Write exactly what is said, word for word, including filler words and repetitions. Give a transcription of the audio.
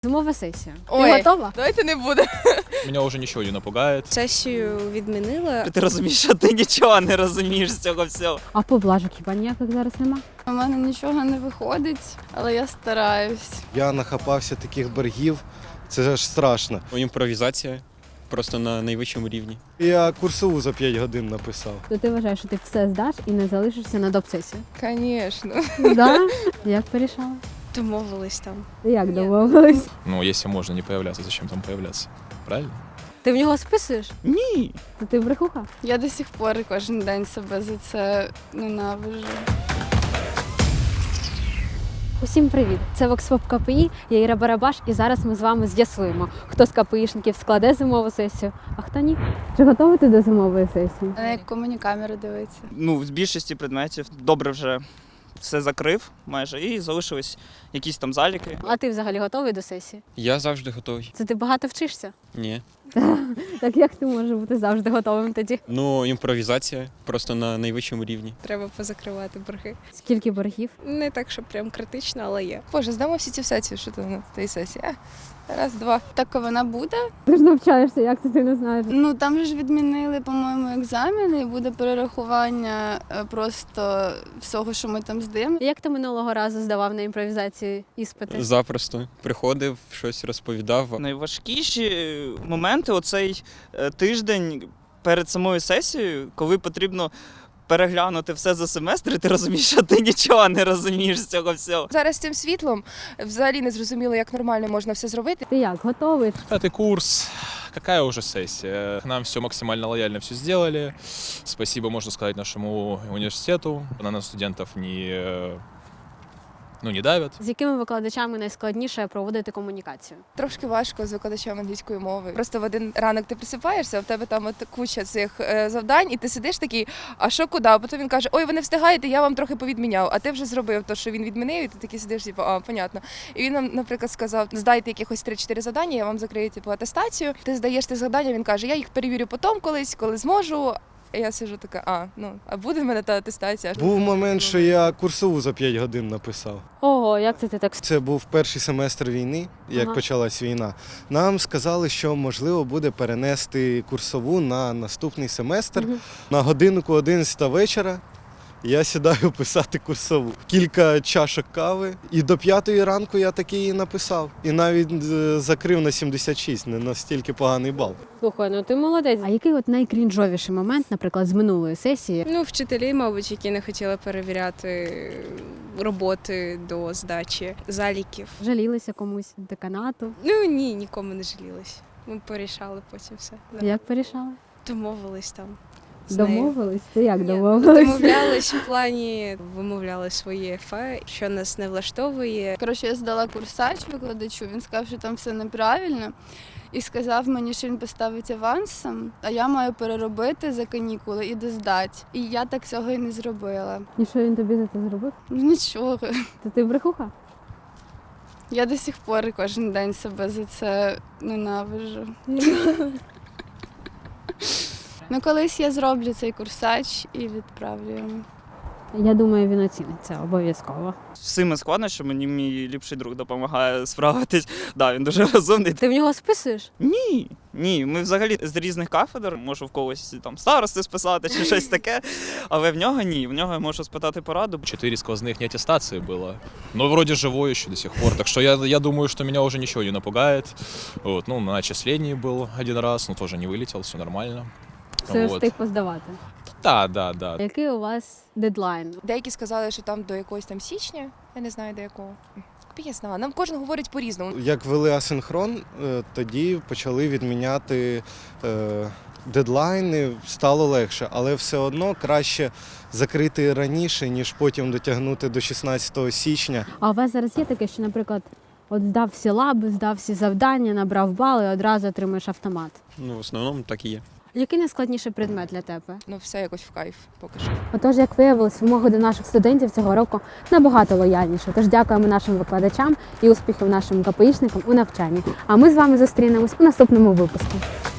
Зимова сесія. Ой, Ти готова? давайте не буде. Меня уже ничего не напугает. Сесію відмінила. Ти розумієш, що ти нічого не розумієш з цього всього. А поблажок хіба ніяких зараз нема? У мене нічого не виходить, але я стараюсь. Я нахапався таких боргів, це ж страшно. Імпровізація просто на найвищому рівні. Я курсову за п'ять годин написав. То ти вважаєш, що ти все здаш і не залишишся на допсесію? Звісно. Да? Як порішала? Домовились там. Як домовились? Ну, если можно не появляться, зачем там появляться? Правильно? Ти в нього списуєш? Ні. То ти брехуха? Я до сих пор кожен день себе за це ненавижу. Усім привіт! Це Воксфоп КПІ, я Іра Барабаш, і зараз ми з вами з'ясуємо, хто з КПІшників складе зимову сесію, а хто ні. Чи готові ти до зимової сесії? На яку мені камеру дивиться? Ну, з більшості предметів добре вже все закрив майже і залишились якісь там заліки. А ти взагалі готовий до сесії? Я завжди готовий. Це ти багато вчишся? Ні. Так як ти можеш бути завжди готовим тоді? Ну, імпровізація просто на найвищому рівні. Треба позакривати борги. Скільки боргів? Не так, що прям критично, але є. Боже, здамо всі ці сесії, що там на тій сесії. А, Раз, два. Так вона буде? Ти ж навчаєшся, як це ти не знаєш? Ну там же ж відмінили, по-моєму, екзамени і буде перерахування е, просто всього, що ми там здаємо. Як ти минулого разу здавав на імпровізації іспити? Запросто приходив, щось розповідав. Найважкіші моменти оцей е, тиждень перед самою сесією, коли потрібно переглянути все за семестр, і ти розумієш, що ти нічого не розумієш з цього всього. Зараз з цим світлом взагалі не зрозуміло, як нормально можна все зробити. Ти як, готовий? Пятый курс. Какая уже сессия? Нам все максимально лояльно все сделали. Спасибо, можно сказать, нашему университету. На нас студентов не, ну, не давят. З якими викладачами найскладніше проводити комунікацію? Трошки важко з викладачем англійської мови. Просто в один ранок ти просипаєшся, а в тебе там от куча цих е, завдань, і ти сидиш такий, а що куди? А потім він каже, ой, ви не встигаєте, я вам трохи повідміняв. А ти вже зробив те, що він відмінив, і ти такий сидиш, типу, а, понятно. І він нам, наприклад, сказав, здайте якихось три-чотири завдання, я вам закрию типу, атестацію. Ти здаєш ті завдання, він каже, я їх перевірю потім колись, коли зможу. І я сиджу така, а, ну, а буде в мене та атестація? Був момент, що я курсову за п'ять годин написав. Ого, як це ти так? Це був перший семестр війни, як Ага. почалась війна. Нам сказали, що можливо буде перенести курсову на наступний семестр. Мгм. На годинку одинадцята вечора я сідаю писати курсову. Кілька чашок кави. І до п'ятої ранку я таки її написав. І навіть е, закрив на сімдесят шість, не настільки поганий бал. Слухай, ну ти молодець. А який от найкрінжовіший момент, наприклад, з минулої сесії? Ну, вчителі, мабуть, які не хотіли перевіряти роботи до здачі заліків. Жалілися комусь деканату? Ну ні, нікому не жалілись. Ми порішали потім все. Да. Як порішали? Домовились там. з нею. Домовились? Це як Ні, домовились? Домовлялись в плані, вимовляли своє ефе, що нас не влаштовує. Коротше, я здала курсач викладачу, він сказав, що там все неправильно. І сказав мені, що він поставить авансом, а я маю переробити за канікули і доздати. І я так цього і не зробила. І що він тобі за це зробив? Ну нічого. То ти брехуха? Я до сих пор кожен день себе за це ненавижу. Ну, колись я зроблю цей курсач і відправлю йому. Я думаю, він оцінить це обов'язково. З цими складнощами мені мій ліпший друг допомагає справитись. Да, він дуже розумний. Ти в нього списуєш? Ні, ні, ми взагалі з різних кафедр, можу в когось там старости списати чи щось таке, але в нього ні, в нього я можу спитати пораду. Четыре сквозных неаттестации было. Но вроде живой еще до сих пор. Так что я, я думаю, что меня уже ничего не напугает. Вот, ну, на отчислении был один раз, но тоже не вылетел, все нормально. Все Вот. встиг поздавати. Да, да, да. Який у вас дедлайн? Деякі сказали, що там до якогось там січня, я не знаю до якого. Я знаю, нам кожен говорить по-різному. Як ввели асинхрон, е, тоді почали відміняти е, дедлайни, стало легше, але все одно краще закрити раніше, ніж потім дотягнути до шістнадцятого січня. А у вас зараз є таке, що, наприклад, от здав всі лаби, здав всі завдання, набрав бали і одразу отримуєш автомат? Ну, в основному так і є. Який найскладніший предмет для тебе? Ну, все якось в кайф поки що. Отож, як виявилось, вимоги до наших студентів цього року набагато лояльніше. Тож дякуємо нашим викладачам і успіхів нашим КПІшникам у навчанні. А ми з вами зустрінемось у наступному випуску.